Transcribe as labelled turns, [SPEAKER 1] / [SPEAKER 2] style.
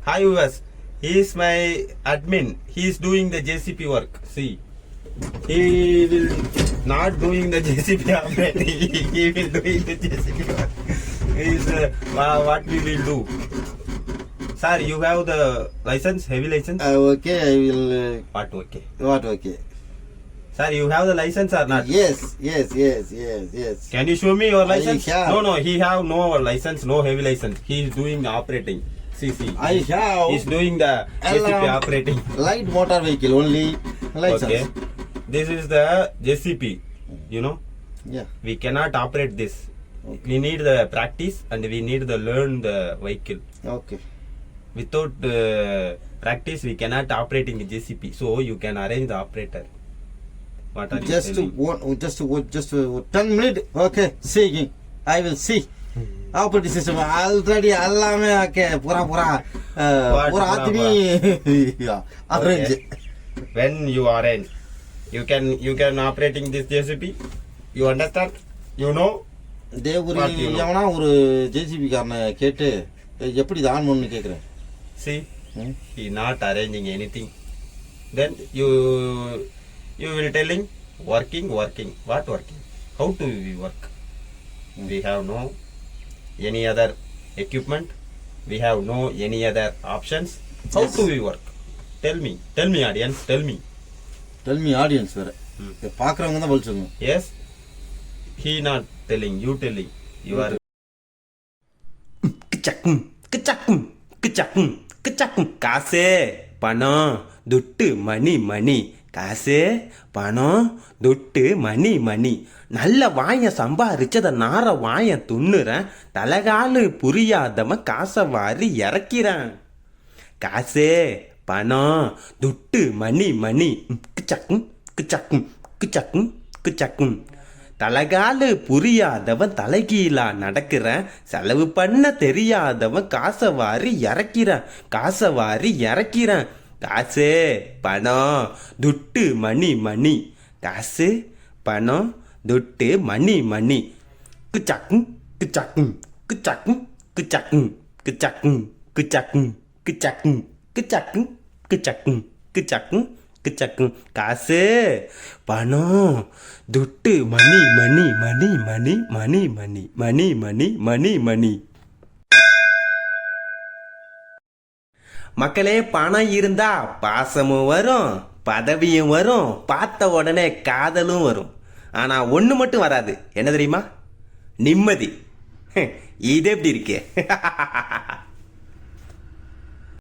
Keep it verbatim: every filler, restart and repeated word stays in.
[SPEAKER 1] Hi viewers, he is my admin. He is doing the J C P work. See, he will not doing the J C P operate. He will doing the J C P work. Is uh, what we will do. Sir, you have the license, heavy license?
[SPEAKER 2] Uh, okay, I will. Uh,
[SPEAKER 1] what okay?
[SPEAKER 2] what okay?
[SPEAKER 1] Sir, you have the license or not?
[SPEAKER 2] Yes, yes, yes, yes, yes.
[SPEAKER 1] Can you show me your license?
[SPEAKER 2] I have.
[SPEAKER 1] No, no, he have no license, no heavy license. He is doing the operating. See, see.
[SPEAKER 2] I have.
[SPEAKER 1] He's doing the J C P
[SPEAKER 2] Alarm.
[SPEAKER 1] operating.
[SPEAKER 2] Light motor vehicle only license.
[SPEAKER 1] Okay. This is the J C P. You know,
[SPEAKER 2] Yeah.
[SPEAKER 1] we cannot operate this.
[SPEAKER 2] Okay.
[SPEAKER 1] We need the practice and we need to learn the vehicle.
[SPEAKER 2] Okay.
[SPEAKER 1] Without uh, practice, we cannot operate in the J C P. So you can arrange the operator. What are
[SPEAKER 2] Just
[SPEAKER 1] you telling?
[SPEAKER 2] one, just just uh, ten minutes. Okay. See, I will see. Operating system already எல்லாமே okay பூரா பூரா
[SPEAKER 1] What
[SPEAKER 2] பூரா
[SPEAKER 1] பூரா
[SPEAKER 2] ஆத்மி arrange.
[SPEAKER 1] When you arrange, you can you can operating this J C P. You understand? You know?
[SPEAKER 2] தேவரி
[SPEAKER 1] What you know?
[SPEAKER 2] எவனா ஒரு JCB காரனை கேட்டு எப்படி இது ஆன் பண்ணணும்னு கேக்குறேன்.
[SPEAKER 1] See, he not arranging anything. Then you you will telling working working. What working? How to we work? We have no any other equipment. We have no any other options. How
[SPEAKER 2] Yes.
[SPEAKER 1] to we work? Tell me. Tell me audience. Tell me.
[SPEAKER 2] Tell me audience வேற.
[SPEAKER 1] Hmm.
[SPEAKER 2] பாக்குறவங்க தான் பதில் சொல்லணும்.
[SPEAKER 1] Yes. He not telling. You telling. You are.
[SPEAKER 3] கிச்சக்கும் கிச்சக்கும் கிச்சக்கும் கிச்சக்கும் காசு பணம் துட்டு மணி மணி காசு பணம் துட்டு மணி மணி நல்ல வாய சம்பாரிச்சத நார வாய துண்ணுறேன் தலகாலு புரியாதவன் காசை வாரி இறக்கிறான் காசு பணம் துட்டு மணி மணி கிச்சக்கும் கிச்சக்கும் கிச்சக்கும் கிச்சக்கும் தலகாலு புரியாதவன் தலைகீழா நடக்கிறேன் செலவு பண்ண தெரியாதவன் காசை வாரி இறக்கிறான் காசை வாரி இறக்கிறான் காசு பணம் துட்டு மணி மணி காசு பணம் துட்டு மணி மணி கிச்சக்கும் கிச்சக்கும் கிச்சக்கும் கிச்சக்கும் கிச்சக்கும் கிச்சக்கும் கிச்சக்கும் கிச்சக்கும் கிச்சக்கும் கிச்சக்கும் கிச்சக்கும் காசு பணம் துட்டு மணி மணி மணி மணி மணி மணி மணி மணி மணி மணி மக்களே பணம் இருந்தா பாசமும் வரும் பதவியும் வரும் பார்த்த உடனே காதலும் வரும் ஆனா ஒண்ணு மட்டும் வராது என்ன தெரியுமா நிம்மதி இது எப்படி இருக்கு